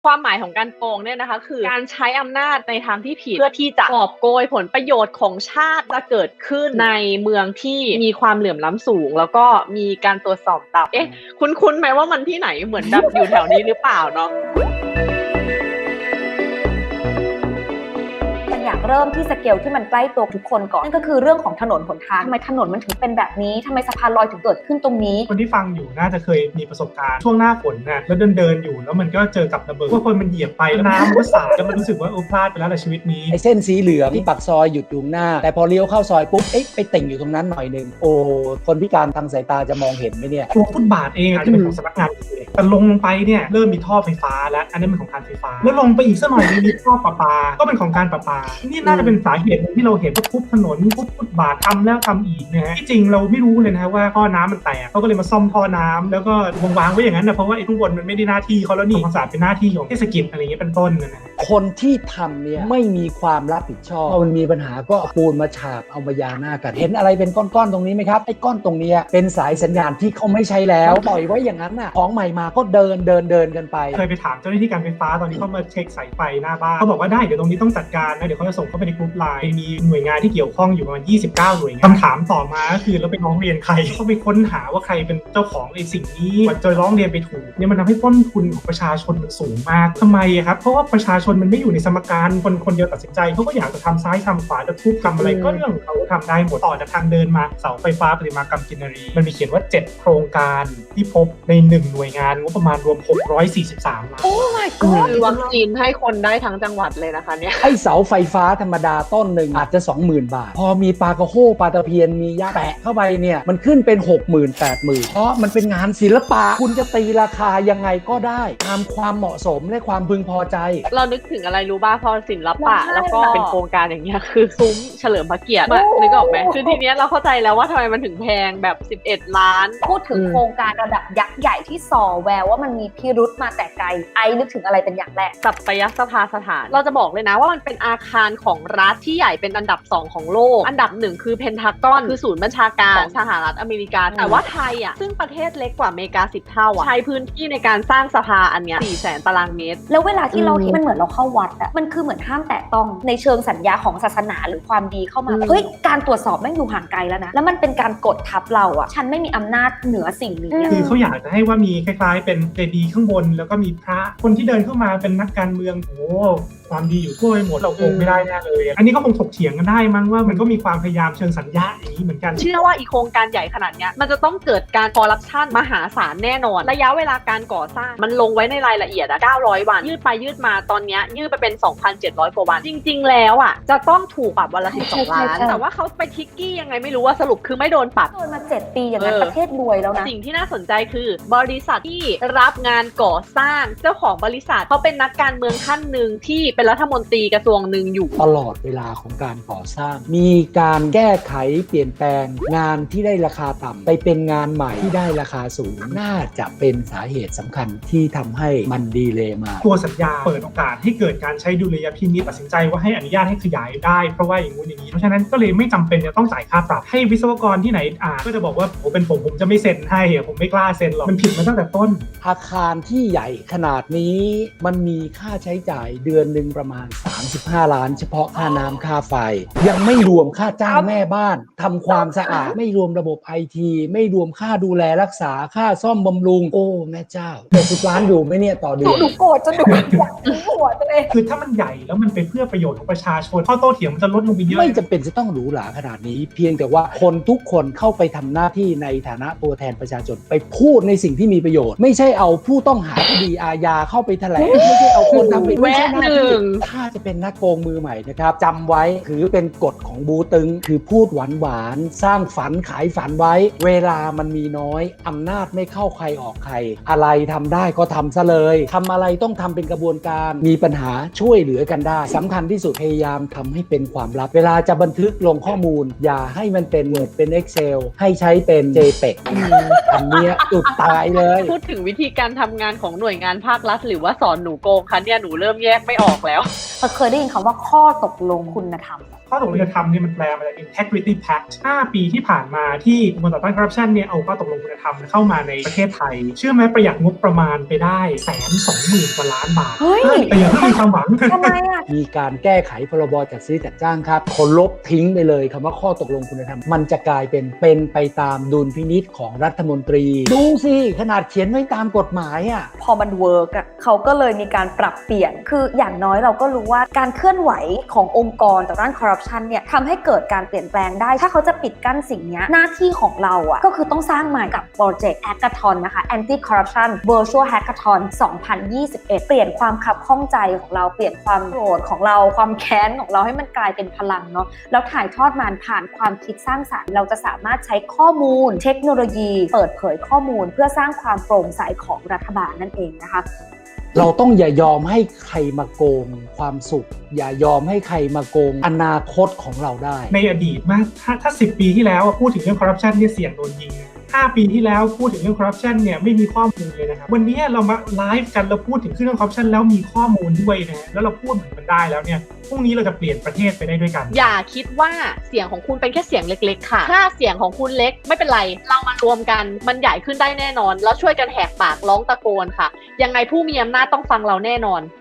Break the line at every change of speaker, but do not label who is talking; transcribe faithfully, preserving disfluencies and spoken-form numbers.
ความหมายของการโกงเนี่ยนะคะคือการใช้อำนาจในทางที่ผิดเพื่อที่จะกอบโกยผลประโยชน์ของชาติจะเกิดขึ้นในเมืองที่มีความเหลื่อมล้ำสูงแล้วก็มีการตรวจสอบต่ำเอ๊ะคุ้นๆไหมว่ามันที่ไหนเหมือนแบบอยู่แถวนี้หรือเปล่าเนาะ
อยากเริ่มที่สเกลที่มันใกล้ตัวทุกคนก่อนนั่นก็คือเรื่องของถนนหนทางทำไมถนนมันถึงเป็นแบบนี้ทำไมสะพานลอยถึงเกิดขึ้นตรงนี้
คนที่ฟังอยู่น่าจะเคยมีประสบการณ์ช่วงหน้าฝนนะแล้วเดินเดินอยู่แล้วมันก็เจอกับระเบิดว่าคนมันเหยียบไปแล้วน้ำมันก็สาดแล้วมันรู้สึกว่าโอ้พลาดไปแล้วในชีวิตนี้
ไอ้เส้นสีเหลืองที่ปากซอยหยุดอยู่หน้าแต่พอเลี้ยวเข้าซอยปุ๊บเอ๊ะไปติ่งอยู่ตรงนั้นหน่อยนึงโอ้คนพิการทางสายตาจะมองเห็นไหมเนี่ย
ตัวฟุตบาทเองจะเป็นของสำนักงานแต่ลงลงไปเนี่ยเริ่มมีท่อไฟฟ้าแล้วอันนี้เป็นของการไฟฟ้าแล้วลงไปอีกสักหน่อยมีท่อประปาก็เป็นของการประปานี่น่าจะเป็นสาเหตุที่เราเห็นว่าทุบถนนทุบฟุตบาททำแล้วทำอีกนะฮะที่จริงเราไม่รู้เลยนะว่าท่อน้ำมันแตกเขาก็เลยมาซ่อมท่อน้ำแล้วก็วางไว้อย่างนั้นนะเพราะว่าไอ้ทุกบนมันไม่ได้หน้าที่เขาแล้วนี่ความสะอาดเป็นหน้าที่ของเทศกิจอะไรเงี้ยเป็นต้นนะ
คนที่ทำเนี่ยไม่มีความรับผิดชอบพอมันมีปัญหาก็เอาปูนมาฉาบเอามายาหน้ากันเห็นอะไรเป็นก้อนๆตรงนี้ไหมครับไอ้ก้อนตรงนี้เป็นสายสัญญาณที่เขาไม่ใช้แล้วปล่อยไว้อย่างนั้นน่ะของใหม่มาก็เดินเดินเดินกันไป
เคยไปถามเจ้าหน้าที่การไฟฟ้าตอนนี้เขามาเช็คสายไฟหน้าบ้านเขาบอกว่าได้เดี๋ยวตรงนี้ต้องจัดการนะเดี๋ยวเขาจะส่งเข้าไปในกรุ๊ปไลน์มีหน่วยงานที่เกี่ยวข้องอยู่ประมาณยี่สิบเก้าหน่วยงานคำถามต่อมาก็คือแล้วไปร้องเรียนใครเขาไปค้นหาว่าใครเป็นเจ้าของไอ้สิ่งนี้กว่าจะร้องเรียนไปถูกเนี่ยมันทำให้ต้นทุนของประชาชนมันสูงมากทำไมครับเพราะว่าประชาชนมันไม่อยู่ในสมการคนคนเดียวตัดสินใจเขาก็อยากจะทำซ้ายทำขวาจะทุบทำอะไรก็เรื่องของเขาทำได้หมดต่อจากทางเดินมาเสาไฟฟ้าประติมากรรมกินรีมันมีเขียนว่าเจ็ดโครงการที่พบในหนึ่งหน่วยงานงบประมาณรวมหกร้อยสี่สิบสามล้าน
โอ้ my god
คือวัคซีนให้คนได้ทั้งจังหวัดเลยนะคะเนี่ย
ไอเสาไฟฟ้าธรรมดาต้นหนึ่งอาจจะ สองหมื่น บาทพอมีปลากระโฮปลาตะเพียนมียาแปะเข้าไปเนี่ยมันขึ้นเป็น หกหมื่น แปดหมื่น เพราะมันเป็นงานศิลปะคุณจะตีราคายังไงก็ได้ตามความเหมาะสมและความพึงพอใจ
เรานึกถึงอะไรรู้ป่ะพอศิลปะแล้วก็เป็นโครงการอย่างเงี้ยคือซุ้มเฉลิมพระเกียรตินึกออกไหมคือทีเนี้ยเราเข้าใจแล้วว่าทำไมมันถึงแพงแบบสิบเอ็ดล้าน
พูดถึงโครงการระดับยักษ์ใหญ่ที่ส่อแววว่ามันมีพิรุธมาแต่ไกลไอ้นึกถึงอะไรเป็นอย่างแรก
สัปยสภาสถานเราจะบอกเลยนะว่ามันเป็นอาคารของรัฐที่ใหญ่เป็นอันดับสองของโลกอันดับหนึ่งคือเพนทากอนคือศูนย์บัญชาการของสหรัฐอเมริกาแต่ว่าไทยอ่ะซึ่งประเทศเล็กกว่าอเมริกาสิบเท่าอ่ะใช้พื้นที่ในการสร้างสภาอันเนี้ยสี่แสนตารางเมตร
แล้วเวลาที่เราเห็นมันเหมือนเราเข้าวัดอ่ะมันคือเหมือนห้ามแตะต้องในเชิงสัญญาของศาสนาหรือความดีเข้ามาเฮ้ยการตรวจสอบแม่งอยู่ห่างไกลแล้วนะแล้วมันเป็นการกดทับเราอ่ะฉันไม่มีอำนาจเหนือสิ่งนี้
คือเขาอยากจะให้ว่ามีคล้ายๆเป็นเจดีย์ข้างบนแล้วก็มีพระคนที่เดินเข้ามาเป็นนักการเมืองโอ้ความดีอยู่ทั่วไปหมดเราคงไม่ได้แน่เลยอันนี้ก็คงถกเถียงกันได้มั้งว่ามันก็มีความพยายามเชิงสัญญาอย่างนี้เหมือนกัน
เชื่อว่าอีโครงการใหญ่ขนาดนี้มันจะต้องเกิดการคอร์รัปชันมหาศาลแน่นอนระยะเวลาการก่อสร้างมันลงไว้ในรายละเอียดอะเก้าร้อยวันยืดไปยืดมาตอนนี้ยืดไปเป็น สองพันเจ็ดร้อย กว่าวันจริงๆแล้วอะจะต้องถูกปรับวันละสิบสองล้านแต่ว่าเขาไปทิกกี้ยังไงไม่รู้ว่าสรุปคือไม่โดนปรับ
โดนมาเจ็ดปีอย่างนั้นประเทศรวยแล้วนะ
สิ่งที่น่าสนใจคือบริษัทที่รับงานก่อสร้างเจ้าของบริษัทเขาเป็นนักการเมืองท่านหนึ่งที่เป็นรัฐมนตรีกระทรวงหนึ่งอยู่
ตลอดเวลาของการก่อสร้างมีการแก้ไขเปลี่ยนแปลงงานที่ได้ราคาต่ำไปเป็นงานใหม่ที่ได้ราคาสูงน่าจะเป็นสาเหตุสำคัญที่ทำให้มันดีเลย์มา
ตัวสัญญาเปิดโอกาสให้เกิดการใช้ดุลยพินิจตัดสินใจว่าให้อนุญาตให้ขยายได้เพราะว่าอย่างงู้นอย่างนี้เพราะฉะนั้นก็เลยไม่จำเป็นจะต้องจ่ายค่าปรับให้วิศวกรที่ไหนอ่าก็จะบอกว่าโอ้เป็นผมผมจะไม่เซ็นให้ผมไม่กล้าเซ็นหรอกมันผิดมาตั้งแต่ต้น
อาคารที่ใหญ่ขนาดนี้มันมีค่าใช้จ่ายเดือนหนึ่งประมาณสามสิบห้าล้านเฉพาะค่าน้ำค่าไฟยังไม่รวมค่าจ้างแม่บ้านทำความสะอาดไม่รวมระบบไอทีไม่รวมค่าดูแลรักษาค่าซ่อมบำรุงโอ้แม่เจ้าเจ็ดสิบล้านอยู่ไหมเนี่ยต่อเดือน
หนูโกรธจนหนูอยากทิ้งหัวตัวเอง
คือถ้ามันใหญ่แล้วมันเป็นเพื่อประโยชน์ของประชาชนข้อโต้เถียงมันจะลดลงไปเยอะ
ไม่จำเป็นจะต้องหรูหราขนาดนี้เพียงแต่ว่าคนทุกคนเข้าไปทำหน้าที่ในฐานะตัวแทนประชาชนไปพูดในสิ่งที่มีประโยชน์ไม่ใช่เอาผู้ต้องหาคดีอาญาเข้าไปแถลงไม่ใช่เอาคนทำผิดไม่ใช่หน้าที่ถ้าจะเป็นนักโกงมือใหม่นะครับจำไว้ถือเป็นกฎของบูตึงคือพูดหวานหวานสร้างฝันขายฝันไว้เวลามันมีน้อยอำนาจไม่เข้าใครออกใครอะไรทำได้ก็ทำซะเลยทำอะไรต้องทำเป็นกระบวนการมีปัญหาช่วยเหลือกันได้สำคัญที่สุดพยายามทำให้เป็นความลับเวลาจะบันทึกลงข้อมูลอย่าให้มันเป็น Word เป็น Excel ให้ใช้เป็น เจ พี อี จี อันนี้จุดตายเลย
พูดถึงวิธีการทำงานของหน่วยงานภาครัฐหรือว่าสอนหนูโกงคะเนี่ยหนูเริ่มแยกไม่ออกแล้ว
เคยได้ยินคำว่าข้อตกลงคุณธรรม
ข้อตกลงคุณธรรมเนี่ยมันแปลมาจาก integrity pact ห้าปีที่ผ่านมาที่องค์กรต่อต้านคอร์รัปชันเนี่ยเอาข้อตกลงคุณธรรมเข้ามาในประเทศไทยเชื่อไหมประหยัดงบประมาณไปได้แสนสองหมื่นกว่าล้านบาท
เฮ้ย
แต่อย่าเพิ่งมีความหวัง
ทำไมอ่ะ
มีการแก้ไขพรบจัดซื้อจัดจ้างครับคนลบทิ้งไปเลยคำว่าข้อตกลงคุณธรรมมันจะกลายเป็นเป็นไปตามดุลพินิจของรัฐมนตรีดูสิขนาดเขียนไว้ตามกฎหมายอ่ะ
พอมันเวิร์กอ่ะเขาก็เลยมีการปรับเปลี่ยนคืออย่างน้อยเราก็รู้ว่าการเคลื่อนไหวขององค์กรต่อต้านคอร์รัปชันเนี่ยทำให้เกิดการเปลี่ยนแปลงได้ถ้าเขาจะปิดกั้นสิ่งนี้หน้าที่ของเราอ่ะก็คือต้องสร้างใหม่กับโปรเจกต์ Hackathon นะคะ Anti Corruption Virtual Hackathon สองพันยี่สิบเอ็ด เปลี่ยนความขับข้องใจของเราเปลี่ยนความโกรธของเราความแค้นของเราให้มันกลายเป็นพลังเนาะแล้วถ่ายทอดมันผ่านความคิดสร้างสรรค์เราจะสามารถใช้ข้อมูลเทคโนโลยีเปิดเผยข้อมูลเพื่อสร้างความโปร่งใสของรัฐบาลนั่นเองนะคะ
เราต้องอย่ายอมให้ใครมาโกงความสุขอย่ายอมให้ใครมาโกงอนาคตของเราได้
ในอดีตมากถ้าถ้าสิบปีที่แล้วพูดถึงเรื่องคอร์รัปชันเนี่ยเสี่ยงโดนยิงห้าปีที่แล้วพูดถึงเรื่องคอร์รัปชันเนี่ยไม่มีข้อมูลเลยนะครับวันนี้เรามาไลฟ์กันเราพูดถึงเรื่องคอร์รัปชันแล้วมีข้อมูลด้วยนะแล้วเราพูดเหมือนมันได้แล้วเนี่ยพรุ่งนี้เราจะเปลี่ยนประเทศไปได้ด้วยกัน
อย่าคิดว่าเสียงของคุณเป็นแค่เสียงเล็กๆค่ะถ้าเสียงของคุณเล็กไม่เป็นไรเรามารวมกันมันใหญ่ขึ้นได้แน่นอนแล้วช่วยกันแหกปากร้องตะโกนค่ะยังไงผู้มีอำนาจต้องฟังเราแน่นอน